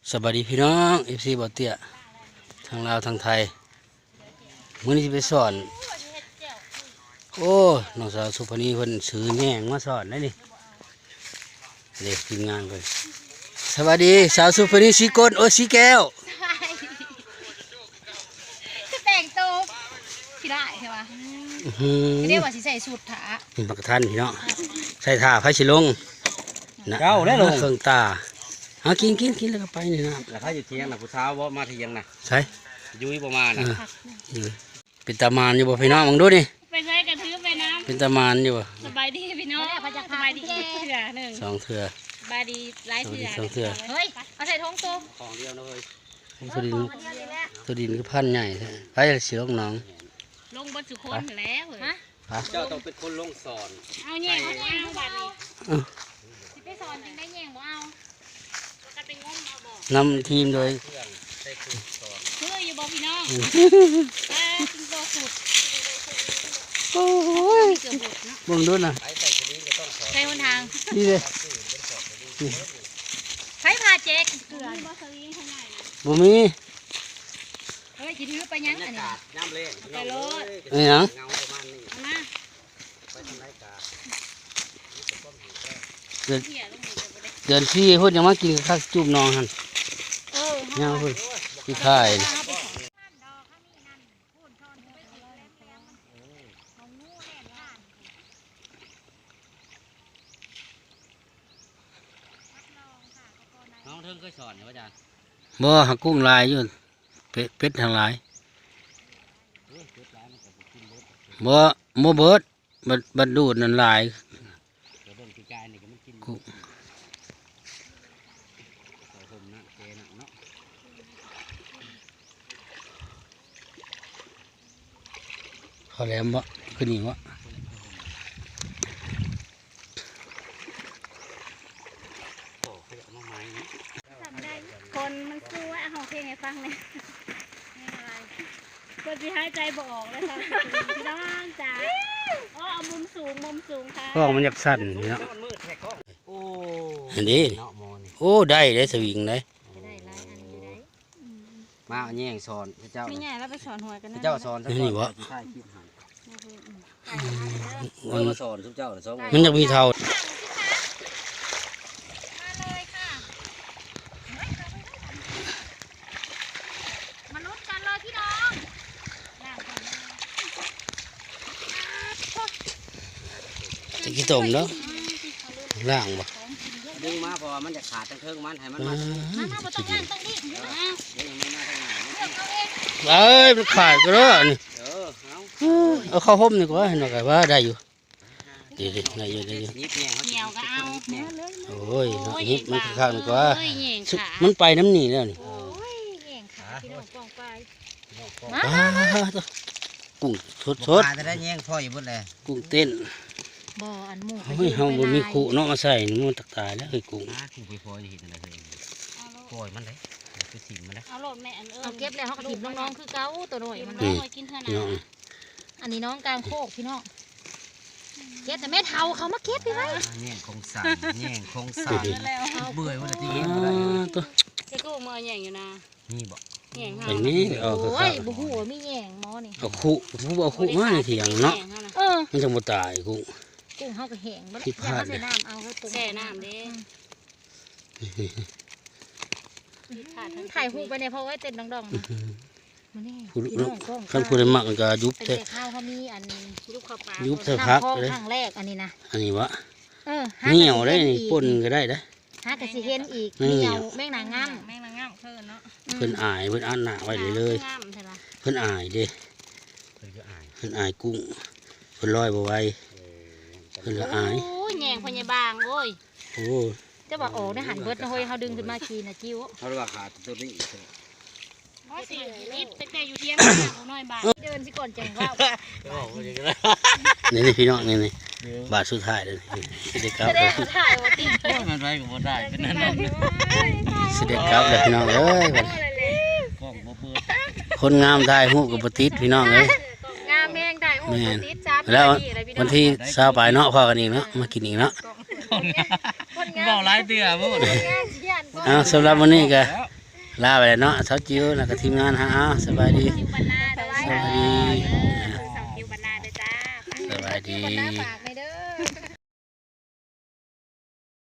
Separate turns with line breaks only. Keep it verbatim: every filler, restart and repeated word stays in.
สวัสดีพี่น้องเอฟซีบ่อเตี้ยทางลาวทางไทยมื้อนี้จะไปสอนโอ้น้องสาวสุพนีเพิ่นซื้อแหน่งมาสอนได้นี่เด็กทีมงานเพิ่นสวัสดีสาวสุพนีสีก้นโอ้สีแก้ว
คือแต่งตัวสิได้ใช่ปะเรียกว่าสิใส่สูทถา
เป็นปกทันพี่น้องใส่ท่าไฟสิลงนะ
เก้าได้ลง
เครื่องตาเอากินกินกินแล้วก็ไปนี่นะ
แล้วเขาอยู่เที่ยงนะผู้สาวว่ามาเที่ยงนะ
ใช่
ยุ้ยประมาณนะ
เป็นตามานอยู่บ่พี่น้องมึงดูนี่
ไปใช้กระถือไปน้
เป็นตามานอยู่บ่
ำสบายดีพี่น้องสบายดีอีกเถื่อหนึ่ง
สองเถื่อ
สบายดีหลายเถื่อ
สองเถื่อ
เฮ้ยเอาใส่ท้องโต
ของเดียวนะเฮ้ย
ตัวดินตัวดินก็พันใหญ่แท้ไปสิลงน้อง
ลงบนสุคนแล้วฮะ
เจ้าต้องเป็นคนลงสอน
เอาแย่งเอาแย่งเอาบัตรนี่สิไปสอนจึงได้แย่งบ่เอากันเป็นงมเอาบ่
นำทีมโดย
เครื่องใส่เครื่องสอน
เฮ้ยอยู่บ่พี่น้องเออจึงโตสุด
โอ้ย
เกือบหมดเนาะ
มึงดูน่ะ
ไปใส่ตัวนี้ก็ต้องสอน
ใช้หนทาง
นี่เลย
ใช้พาเจ๊กเกลือบ่สวิงข้างใน
บ่มี
เฮ้ยสิถือไปยังอันนี้
น้ำเละ
ไปโลด
นี่หยัง
เงาประมาณนี้
เอามา
ไปทำไรกา
เดือน
เหี้ยลงนี่จะบ่ได้
เดือนสี่เพิ่นยังมากินข้าวจุ่มน้องหั่น
เออ
ยังเพิ่นที่ค่ายนี่
น้องเทิงเคยสอนเหรออาจารย์
บ่หักกุ้งลายอยู่เป็ดเป็ดทางหลายบ่บ่เบิดบัดบัดดูดนั่นหลาย
เดี๋ยวเบิ่งปีกายนี่ก็มันกิน
กุ้ง
ใส่ผมนะเจนะเนาะ
เขาแหลมบ่คือนี่บ่
โอ้เขาเอามาไม้นี่
ทำได้คนมันสู้ว่าเอาเพลงให้ฟังเลยคนที่หายใจบ่ออกเลยค่ะพี่น้องจ๋าอ๋อเอามุมสูงมุมสูงค่ะ
กล้องมันอยากสั่นนี่เนาะ
มันมืดแท้กล้องโอ้
อันนี้
เนาะมอนี่
โอ้ได้ได้สวิงได้
ได้หลายอันอยู่ได้
มาเอาแย่งสอนพระเจ้า
ไม่ใหญ่แล้วไปสอนหัวกัน
พ
นะ
ระเจ้าสอนสักก่อนใช่คลิปหัน
มัน
มาสอนทุกเจ้าสอน
มันอยากมีเท่า
มาเลยค่ะมาลุ้นกันเลยพี่น้องล่างก่อนนะ
จะกี่ต้มเนาะล่างบ่
ดึงมาเพราะว่ามันจะขาดทั้งเทิงมันให้มัน
อ่า
มา
มามาบ่ต้องย่างต้องดิเลือก
เดี๋ยวยังไม่มาทางไหน
เอาเอง
เอ้ยมันขาดก็แล้วนี่
เออเอา
เอาเข้าห่มดีกว่าเห็นว่าว่าได้อยู่ดีดีได้อยู่ได้อยู่
ยิบแยงเขา
เหนียวก็เอา
แยง
โอ้ยฮิตมันข้างดีกว่า
โอ้ยเหย่งขา
มันไปน้ำหนีแล้วนี่
โอ้ยเหย่งขาพี่น้องกองไป
อ้าวตัวกุ้งสดสด
จะได้แยงพ่ออยู่บนเลย
กุ้งเต้น
บ่อันหมู
เฮ้ยเฮาบ่มีขู่เนาะมาใส่นี่มันตักตายแล้วเฮ้ยกุ้ง
นะคุณไปพ่อจะเห็นอะไรเลยปล่อยมันเลยคือสิ่งมันเลย
เอาโหลดแม่อันเอิ้นเอาเก็บแล้วเฮาก็ถิ่มน้องๆคือเก่าตัวน้อยมัน
อื
น้
ม
อยกินเท่า
พี่น้อง
นั้นอันนี้น้องกลางโคกพี่น้องเก็บแต่แม่เฒ่าเขามาเก็บพี่ไว้
แยงคงสั่นแยงคงสั่นเบื่อวันที่เห็น
อ่าตัว
จะกูมือแย่งอยู่นะ
นี่บอก
แย่ง
อันนี้เอาคือ
โอ้
ข้า
ยว บ่ฮู้ว่ามีแย่งหมอนี่
เอาขู่ผู้เอาขู่มาในเถียงเนาะ
เออ
มันจะบ่ตายกุ้ง
กุ้งเฮาก็แห้งบ่
ที่พลาด
ใส่น้ำเอาเขาแช่น้ำเด้ถ่ายรูปไปเนี่ยเพราะว่าเต้นดองๆนะมันนี่
ผู้
พี่น้องกล้อง
คันผู้ใดมักมันก็ยุบ
เป็น
แท้
แต่ข้าวเขามีอันยุบข้าวปลา
ยุบเถอะครับ
น้ำคลอง
เลย
ครั้งแรกอันนี้นะ
อันนี้วะ
เออ
เหนียวได้นี่ป่นก็ได้เด้อ
หากระสิเห็นอีก
นี่
เหนียวแมงนางงามแมงนางงามเพิ่นเนาะ
เพิ่นอายเพิ่นอันหน้าไว้เลยเลย
งามใช่ปะ
เพิ่นอายเด้
เพื่อจะอ่าน
เพิ่นอายกุ้งเพิ่นลอยบ่ไหวเพิ่นละอาย
โอ้ยแหงพญาบางโอ้ย
โอ้
จะบอกโอ้ได้หันเบิดนะเฮ้ยเขาดึงขึ้นมากินนะจิ้ว
เขาเรียกว่าขาดตัวนี้
ว่าสินิดตั้งแต่อยู่เที่ยงของน้อยบาทเดินสิก่อนจังว่า
นี่นี่พี่น้องนี่นี่บาทสุดท้ายเลยสิเด็กกลับ
จะ
เล
ได้
ย
เขาถ่ายว่าติด
มันไรก็บ่ได้เป็นนั่นนั่น
สิเด็กกลับเลยพี่น้องเอ้ย
กล้องบ่เปิด
คนงามได้ฮู้กับบ่ติดพี่น้องเอ้ย
งามแมงได้โอ้ยติดจับ
แล้ววันที่เช้าไปเนาะพอกันอีกเนาะมากินอีกเนาะ
เบาหลายเตือบ่
เอาสำหรับวันนี้ก็ลาไปแล้วเนาะสาวจิ๋วแล้วก็ทีมงานฮะอ้าวสบายดี
คิวบรรณาเด้อ
สบายดี
สาวคิวบรรณาเด้อจ้า
สบายดี
ฝากใน